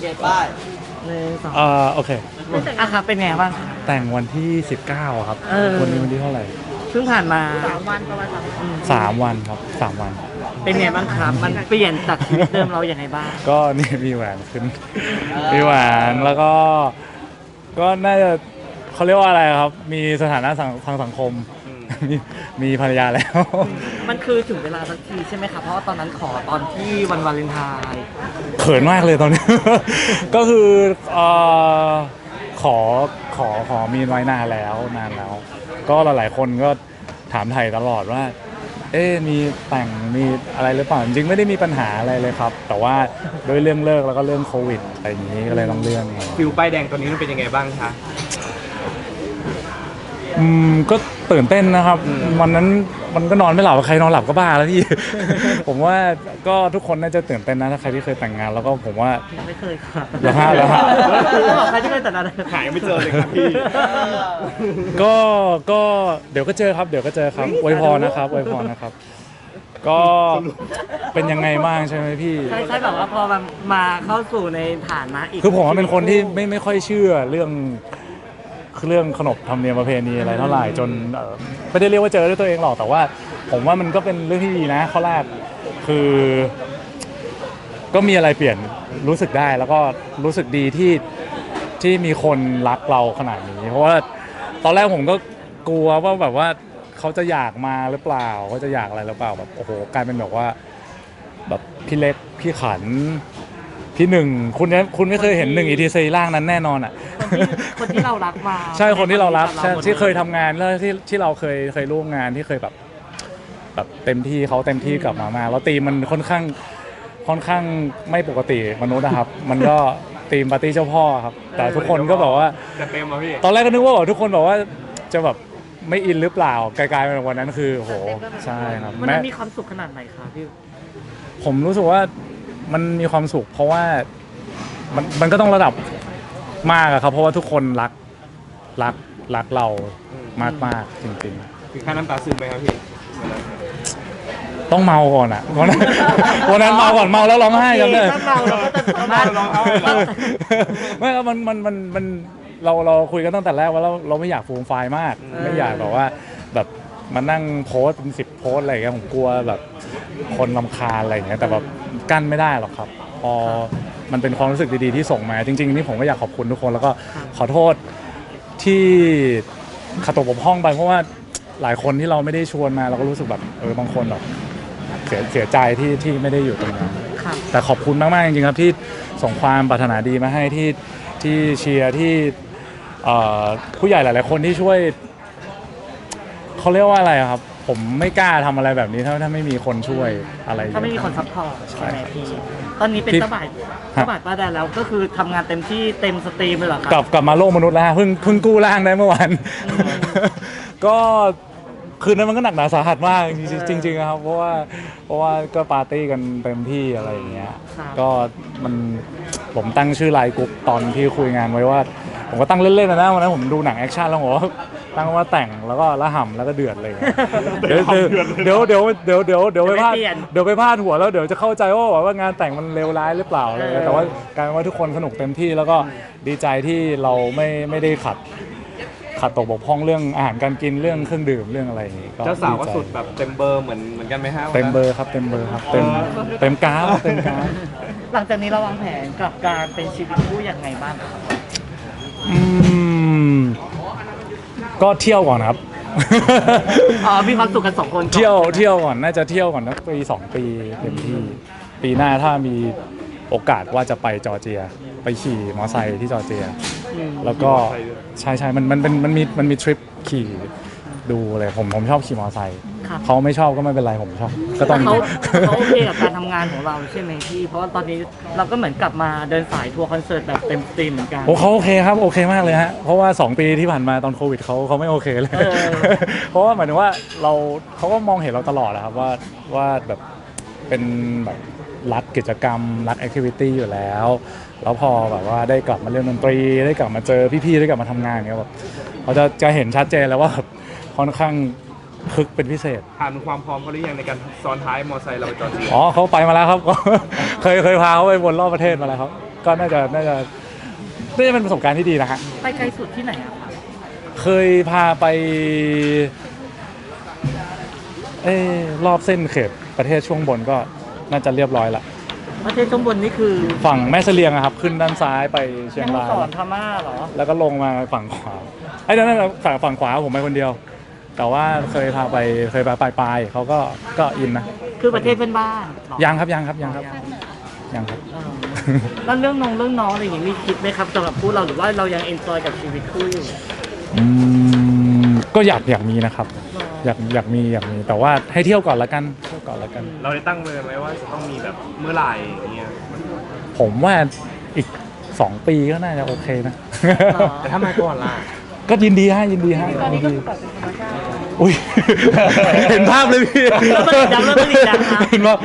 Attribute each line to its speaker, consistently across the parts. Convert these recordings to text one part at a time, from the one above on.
Speaker 1: ป้าย
Speaker 2: 1 2
Speaker 3: โอเค
Speaker 2: อ่ะครับเป็นไงบ้างครับ
Speaker 3: แต่งวันที่19ครับวันนี้วันที่เท่าไหร่
Speaker 2: เพิ่งผ่านมา
Speaker 4: 3 วันประมาณ
Speaker 3: 3 วันครับ3 วัน
Speaker 2: เป็นไงบ้างครับมันเปลี่ยนจากชีวิตเดิมเราอย่างไรบ้าง
Speaker 3: ก็นี่มีแหวนขึ้นมีแหวนแล้วก็น่าจะเขาเรียกว่าอะไรครับมีสถานะทางสังคมมีภรรยาแล้ว
Speaker 2: มันคือถึงเวลาสักทีใช่ไหมครับเพราะว่าตอนนั้นขอตอนที่วันวาเลนไทน์
Speaker 3: เขินมากเลยตอนนี้ ก็คือขอมีไว้นานแล้ว ก็หลายๆคนก็ถามไถ่ตลอดว่ามีแต่งมีอะไรหรือเปล่าจริงไม่ได้มีปัญหาอะไรเลยครับแต่ว่าด้วยเรื่องเลิกแล้วก็เรื่องโควิดอะไรอย่างนี้ก็เลยต้องเลื่อน
Speaker 1: ฟิลป้ายแดงตัวนี้มันเป็นยังไงบ้างคะ
Speaker 3: ก็ตื่นเต้นนะครับวันนั้นมันก็นอนไม่หลับใครนอนหลับก็บ้าแล้วพี่ ผมว่าก็ทุกคนน่าจะตื่นเต้นนะถ้าใครที่เคยแต่งงานแล้วก็ผมว่า
Speaker 2: ไม่เคยครับ
Speaker 3: แล้วฮะ
Speaker 2: บอกใครที่เคยแต่งงาน
Speaker 1: หายไม่เจอเลยครับพี่
Speaker 3: ก็เดี๋ยวก็เจอครับอวยพรนะครับก็เป็นยังไงบ้างใช่ไหมพี่
Speaker 2: ใช่แบบว่าพอมาเข้าสู่ในฐานะอีก
Speaker 3: คือผมว่าเป็นคนที่ไม่ค่อยเชื่อเรื่องขนบธรรมเนียมประเพณีอะไรเท่าไหร่จนไม่ได้เรียกว่าเจอด้วยตัวเองหรอกแต่ว่าผมว่ามันก็เป็นเรื่องที่ดีนะข้อแรกคือก็มีอะไรเปลี่ยนรู้สึกได้แล้วก็รู้สึกดีที่มีคนรักเราขนาดนี้เพราะว่าตอนแรกผมก็กลัวว่าแบบว่าเขาจะอยากมาหรือเปล่าเขาจะอยากอะไรหรือเปล่าแบบโอ้โหกลายเป็นแบบว่าแบบพี่เล็กพี่ขันพี่หนึ่งคุณไม่เคยเห็นหนึ่งอีทีซีร่างนั้นแน่นอนอ่ะ
Speaker 2: คนที่เรารักมา
Speaker 3: ใช่คนที่เรารักที่เคยทำงานแล้วที่เราเคยร่วมงานที่เคยแบบเต็มที่เขาเต็มที่กลับมาแล้วตีมันค่อนข้างไม่ปกติมนุษย์นะครับมันก็ตีมปาร์ตี้เจ้าพ่อครับแต่ทุกคนก็บอกว่าตอนแรกก็นึกว่าทุกคนบอกว่าจะแบบไม่อินหรือเปล่ากลายเป็นวันนั้นคือโหใช่ครับ
Speaker 2: มันมีความสุขขนาดไหนครับพี่
Speaker 3: ผมรู้สึกว่ามันมีความสุขเพราะว่ามันก็ต้องระดับมากครับเพราะว่าทุกคนรักเรามากจริง
Speaker 1: ๆถึงขั้นน้ำตาซึมไหมครับพี่
Speaker 3: ต้องเมาก่อนอ่ะวันนั้นเมาก่อนเมาแล้วร้องไห้กันเลย
Speaker 2: ถ้าเมาเราก็จะสามารถร้องไห้
Speaker 3: ไม่ครับมันเราคุยกันตั้งแต่แรกว่าเราไม่อยากฟูมไฟล์มากไม่อยากแบบว่าแบบมานั่งโพสเป็น10 โพสอะไรอย่างเงี้ยผมกลัวแบบคนรำคาญอะไรอย่างเงี้ยแต่แบบกั้นไม่ได้หรอกครับพอมันเป็นความรู้สึกดีๆที่ส่งมาจริงๆนี่ผมก็อยากขอบคุณทุกคนแล้วก็ขอโทษที่ขาดตกบกพร่องไปเพราะว่าหลายคนที่เราไม่ได้ชวนมาเราก็รู้สึกแบบบางคนแบบเสียใจที่ไม่ได้อยู่ตรงนั้นแต่ขอบคุณมากๆจริงๆครับที่ส่งความปรารถนาดีมาให้ที่เชียร์ที่ผู้ใหญ่หลายๆคนที่ช่วยเขาเรียกว่าอะไรครับผมไม่กล้าทำอะไรแบบนี้ถ้าไม่มีคนช่วยอะไร
Speaker 2: ถ้าไม่มีคนซัพพอร์ตใช่ไหมพี่ตอนนี้เป็นตบาดป้าแดนแล้วก็คือทำงานเต็มที่เต็มสตรีมเลยเหรอครับ
Speaker 3: กลับมาโลกมนุษย์แล้วเพิ่งกู้ร่างได้เมื่อวานก็คืนนั้นมันก็หนักหนาสาหัสมากจริงๆครับเพราะว่าก็ปาร์ตี้กันเต็มที่อะไรอย่างเงี้ยก็ผมตั้งชื่อไลน์กรุ๊ปตอนที่คุยงานไว้ว่าผมก็ตั้งเล่นๆนะวันนั้นผมดูหนังแอคชั่นแล้วผมตั้งว่าแต่งแล้วก็ละห่ำแล้วก็เดือดเลยเดี๋ยวไปพลาดหัวแล้วเดี๋ยวจะเข้าใจว่างานแต่งมันเลวร้ายหรือเปล่าเลยแต่ว่าการว่าทุกคนสนุกเต็มที่แล้วก็ดีใจที่เราไม่ได้ขัดตกบกพร่องเรื่องอาหารการกินเรื่องเครื่องดื่มเรื่องอะไรอย่างนี้
Speaker 1: เจ้าสาวก็สุดแบบเต็มเบอร์เหมือนกันไหมฮะ
Speaker 3: เต็มเบอร์ครับเต็มกราฟ
Speaker 2: หลังจากนี้เราวางแผนกับการเป็นชีวิตคู่อย่างไงบ้างครับ
Speaker 3: ก็เที่ยวก่อนครับ
Speaker 2: มีความสุขกัน2 คน
Speaker 3: เที่ยวก่อนน่าจะเที่ยวก่อนนะปี2 ปีเต็มที่ปีหน้าถ้ามีโอกาสว่าจะไปจอร์เจียไปขี่มอไซค์ที่จอร์เจียแล้วก็ใช่มันมีทริปขี่ดูเลยผมชอบขี่มอไซค์เขาไม่ชอบก็ไม่เป็นไรผมชอบก็ต้อง
Speaker 2: เขาโอเคกับการทำงานของเราใช่ไหมพี่เพราะว่าตอนนี้เราก็เหมือนกลับมาเดินสายทัวร์คอนเสิร์ตแบบเต็มสตรีมเหมือนกัน
Speaker 3: เขาโอเคครับโอเคมากเลยฮะเพราะว่า2 ปีที่ผ่านมาตอนโควิดเขาไม่โอเคเลยเพราะว่าหมายถึงว่าเขาก็มองเห็นเราตลอดนะครับว่าแบบเป็นแบบรักกิจกรรมรักแอคทิวิตี้อยู่แล้วพอแบบว่าได้กลับมาเล่นดนตรีได้กลับมาเจอพี่ๆได้กลับมาทำงานอย่างเงี้ยแบบเขาจะเห็นชัดเจนแล้วว่าค่อนข้างคึกเป็นพิเศษ
Speaker 1: ถามถึงความพร้อมเขาหรือยังในการซ้อนท้ายมอเตอร์ไซค์เราไปจอร์เจีย
Speaker 3: เขาไปมาแล้วครับเคยพาเขาไปวนรอบประเทศมาแล้วครับก็น่าจะเป็นประสบการณ์ที่ดีนะฮะ
Speaker 2: ไปไกลสุดที่ไหนอะครับ
Speaker 3: เคยพาไปรอบเส้นเขตประเทศช่วงบนก็น่าจะเรียบร้อยละ
Speaker 2: ประเทศช่วงบนนี่คือ
Speaker 3: ฝั่งแม่เสลียงอะครับขึ้นด้านซ้ายไปเชียง
Speaker 2: แม่ฮ่อง
Speaker 3: ราย
Speaker 2: สอนพม่าเหรอ
Speaker 3: แล้วก็ลงมาฝั่งขวาไอ้นั่นฝั่งขวาผมไปคนเดียว แต่ว่าเคยพาไปปลายเขาก็อินนะ
Speaker 2: คือประเทศเพื่อนบ้านเหรอ
Speaker 3: ยังครับยังครับ
Speaker 2: เออ แล้วเรื่องน้องอะไรอย่างงี้มีคิดไหมครับสำหรับคู่เราหรือว่าเรายังเอนจอยกับชีวิตคู่อยู่
Speaker 3: ก็อยากมีนะครับอยากมีแต่ว่าให้เที่ยวก่อนละกัน
Speaker 1: เราได้ตั้งเลยไหมว่าจะต้องมีแบบเมื่อไหร่อย่างเงี้ย
Speaker 3: ผมว่าอีก2 ปีก็น่าจะโอเคนะ
Speaker 1: แต่ถ้ามาก่อนล่ะ
Speaker 3: ก็ยินดีให้ยินดีอุ้ย เห็นภาพเลยพี่
Speaker 2: แล้วมันอีกดังนะ
Speaker 3: เห็นว่า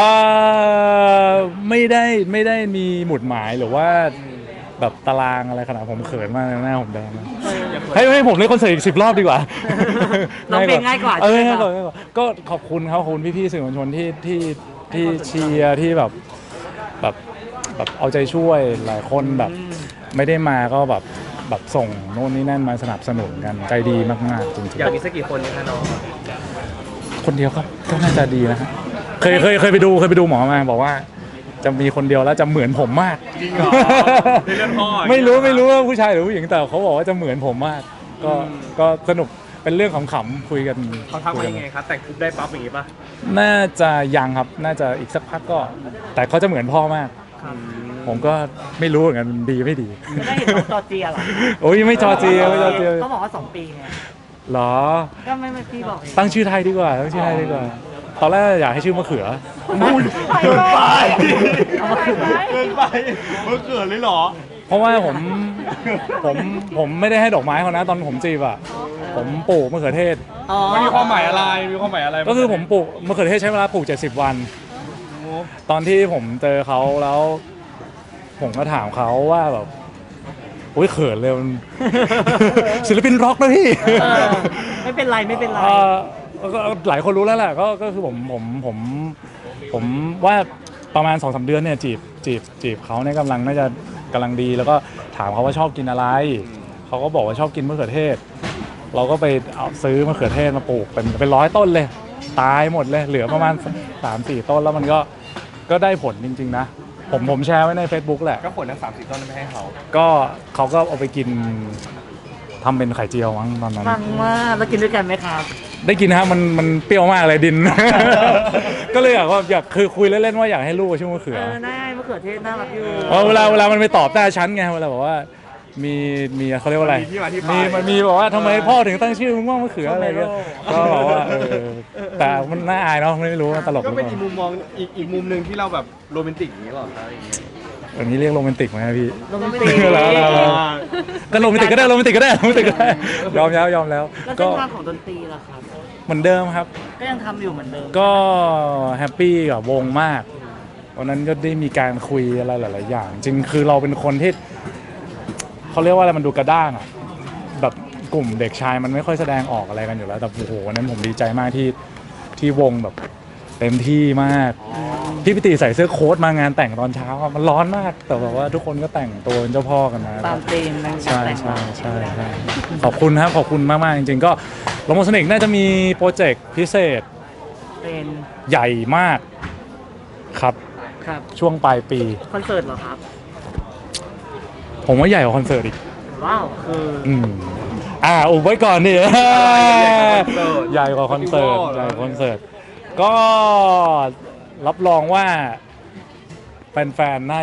Speaker 3: ไม่ได้มีหมุดหมายหรือว่าแบบตารางอะไรขนาดผมเขินมากเลยหน้าผมแดงนะให้ผมเล่นคอนเสิร์ตอีก10 รอบดีกว่า
Speaker 2: ร้องเพลงง่ายกว่า
Speaker 3: เออ
Speaker 2: ใช่ไหม
Speaker 3: ง่าย
Speaker 2: ค
Speaker 3: ก
Speaker 2: รับ
Speaker 3: ว่าก็ขอบคุณครับขอบคุณพี่ๆสื่อมวลชนที่เชียร์ที่แบบเอาใจช่วยหลายคนแบบไม่ได้มาก็แบบส่งโน่นนี่นั่นมาสนับสนุนกันใจดีมากๆจริง
Speaker 1: อยากมีสักกี่คนเนี่ยคะน้อง
Speaker 3: ๆคนเดียวก็น่าจะดีนะฮะเคยไปดูหมอมาบอกว่า จะมีคนเดียวแล้วจะเหมือนผมมาก
Speaker 1: จริงเหรอในเรื่องพ่อ
Speaker 3: ไม่รู้ว่าผู้ชายหรือผู้หญิงแต่เขาบอกว่าจะเหมือนผมมาก ก็สนุกเป็นเรื่องขำๆคุยกัน
Speaker 1: เขาทักมายังไงครับแต่งปุ๊บได้ปั๊บอย่างงี้ป่ะ
Speaker 3: น่าจะยังครับน่าจะอีกสักพักก็ แต่เขาจะเหมือนพ่อมาก ผมก็ไม่รู้เหมือนกันมันดีไม่ดี
Speaker 2: ไม่ได้เห็นน้องจอร์เจียเหรอ
Speaker 3: โอ้ยไม่จอเจียไม่จอเจีย
Speaker 2: เขาบอกว่า2 ปีไง
Speaker 3: เหรอ
Speaker 2: ก็ไม่พี่บอกเอง
Speaker 3: ตั้งชื่อไทยดีกว่าตอนแรกอยากให้ชื่อมะเขือ
Speaker 1: เกินไป
Speaker 2: เอามาคืน
Speaker 1: เกินไปเมื่อเกิดเลยเหรอ
Speaker 3: เพราะว่าผมไม่ได้ให้ดอกไม้เขานะตอนผมจีบอ่ะผมปลูกมะเขือเทศ
Speaker 2: อ๋อ
Speaker 1: มันมีความหมายอะไร
Speaker 3: ก็คือผมปลูกมะเขือเทศใช้เวลาปลูก70 วัน ตอนที่ผมเจอเขาแล้ว ผมก็ถามเขาว่าแบบโอ้ยเขินเลยมัน ศิลปินร็อกนะพี่
Speaker 2: ไม่เป็นไร
Speaker 3: ก็หลายคนรู้แล้วแหละก็คือผมว่าประมาณ 2-3 เดือนเนี่ยจีบเขาเนี่ยน่าจะกำลังดีแล้วก็ถามเขาว่าชอบกินอะไรเขาก็บอกว่าชอบกินมะเขือเทศ เราก็ไปเอาซื้อมะเขือเทศมาปลูกเป็น100 ต้นเลยตายหมดเลยเหลือประมาณ 3-4 ต้นแล้วมันก็ได้ผลจริงๆนะผมแชร์ไว้ใน Facebook แหละ
Speaker 1: ก็ผลทั้ง3-4 ต้นไม่ให้เขา
Speaker 3: ก็เขาก็เอาไปกินทำเป็นไข่เจียวมั้งตอนนั้น
Speaker 2: ฟังมากแล้วกินด้วยกันไหมครับ
Speaker 3: ได้กินนะฮะมันเปรี้ยวมากเลยดิน ก็เลยอยากคือคุยเล่นๆว่าอยากให้ลูกชื่อมะเขือ
Speaker 2: ได้มะเขือเทศน่ารักอยู่
Speaker 3: เพราะเวลามันไปตอบหน้าชั้นไงเวลาบอกว่ามีเขาเรียกว่าอะไร
Speaker 1: มีที่มาที่ไป
Speaker 3: มันมีบอกว่าทำไมพ่อถึงตั้งชื่อมึงว่ามะเขืออะไรเงี้ยก็บอกว่าแต่มันน่าอายเนาะไม่รู้ว่าตลกห
Speaker 1: ก็
Speaker 3: รือ
Speaker 1: เป็น
Speaker 3: เป
Speaker 1: อีก
Speaker 3: ล่า
Speaker 1: มุมมองอีกมุมหนึ่งที่เราแบบโรแมนติกอย่างนี้หรอครับอย่างเงี้ย
Speaker 3: อันนี้เรียกโรแมนติกไหมครับพี่
Speaker 2: โรแมนติก
Speaker 3: แล้ว ก็โรแมนติกก็ได้ยอมแล้ว
Speaker 2: แล้วเส้
Speaker 3: ก็
Speaker 2: นทางของดนตรีล่ะครับ
Speaker 3: เหมือนเดิมครับ
Speaker 2: ก็ยังทำอยู่เหมือนเดิม
Speaker 3: ก็แฮปปี้กับวงมากวันนั้นก็ได้มีการคุยอะไรหลายๆอย่าง จริงคือเราเป็นคนที่เขาเรียกว่าอะไรมันดูกระด้างอะแบบกลุ่มเด็กชายมันไม่ค่อยแสดงออกอะไรกันอยู่แล้วแต่โอ้โหวันนั้นผมดีใจมากที่วงแบบเต็มที่มากพี่ปิติใส่เสื้อโค้ทมางานแต่งตอนเช้าอะมันร้อนมากแต่แบบว่าทุกคนก็แต่งตัวเป็นเจ้าพ่อกันมา
Speaker 2: ตามธีมนะ
Speaker 3: ใช่
Speaker 2: แต่ง
Speaker 3: ใช่ขอบคุณครับขอบคุณมากๆจริงๆก็โลโมโซนิกน่าจะมีโปรเจกต์พิเศษ
Speaker 2: เป็น
Speaker 3: ใหญ่มากครับ
Speaker 2: ครับ
Speaker 3: ช่วงปลายปี
Speaker 2: คอนเสิร์ตเหรอครับ
Speaker 3: ผมว่าใหญ่กว่าคอนเสิร์ตอีก
Speaker 2: ว้าวคือ
Speaker 3: อุบไว้ก่อนนี่
Speaker 1: ใหญ่
Speaker 3: ใหญ่ก
Speaker 1: ก
Speaker 3: ว่า
Speaker 1: ว่า
Speaker 3: คอนเสิร์ต
Speaker 1: Festival
Speaker 3: ใหญ่กว่าคอนเสิร์ตก็รับรองว่าแฟนๆน่า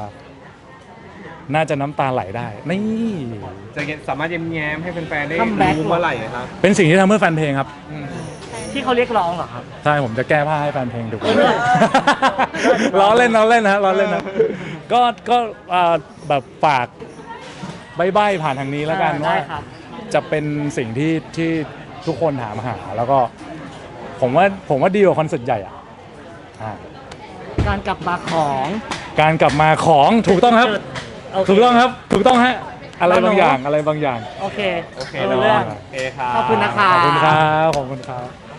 Speaker 3: จะน้ำตาไหลได้นี่
Speaker 1: จะสามารถแย้มๆให้แฟนๆได้
Speaker 2: คัมแบ็ก
Speaker 1: รู้เมื่อไหร่นะครับ
Speaker 3: เป็นสิ่งที่ทำเพื่อแฟนเพลงครับ
Speaker 2: ที่เขาเรียกร้องเหรอครับ
Speaker 3: ใช่ผมจะแก้ผ้าให้แฟนเพลงดู
Speaker 2: เลิศ
Speaker 3: ล้อเล่นนะล้อเล่นนะก็แบบฝากใบ้ๆผ่านทางนี้แล้วกัน
Speaker 2: ได้
Speaker 3: ว่า
Speaker 2: ครับ
Speaker 3: จะเป็นสิ่งที่ทุกคนถามหาแล้วก็ผมว่าดีกว่าคอนเสิร์ตใหญ่อ่ะ
Speaker 2: การกลับมาของ
Speaker 3: การกลับมาของถูกต้องครับ
Speaker 2: โเค
Speaker 3: ถูกต้องครับถูกต้องฮะอะไรบางอย่าง
Speaker 2: โอเค
Speaker 1: โอเค
Speaker 2: รู้เรื่อง
Speaker 1: โอเคครับ
Speaker 2: ขอบคุณนะครับ
Speaker 3: ขอบคุณครับ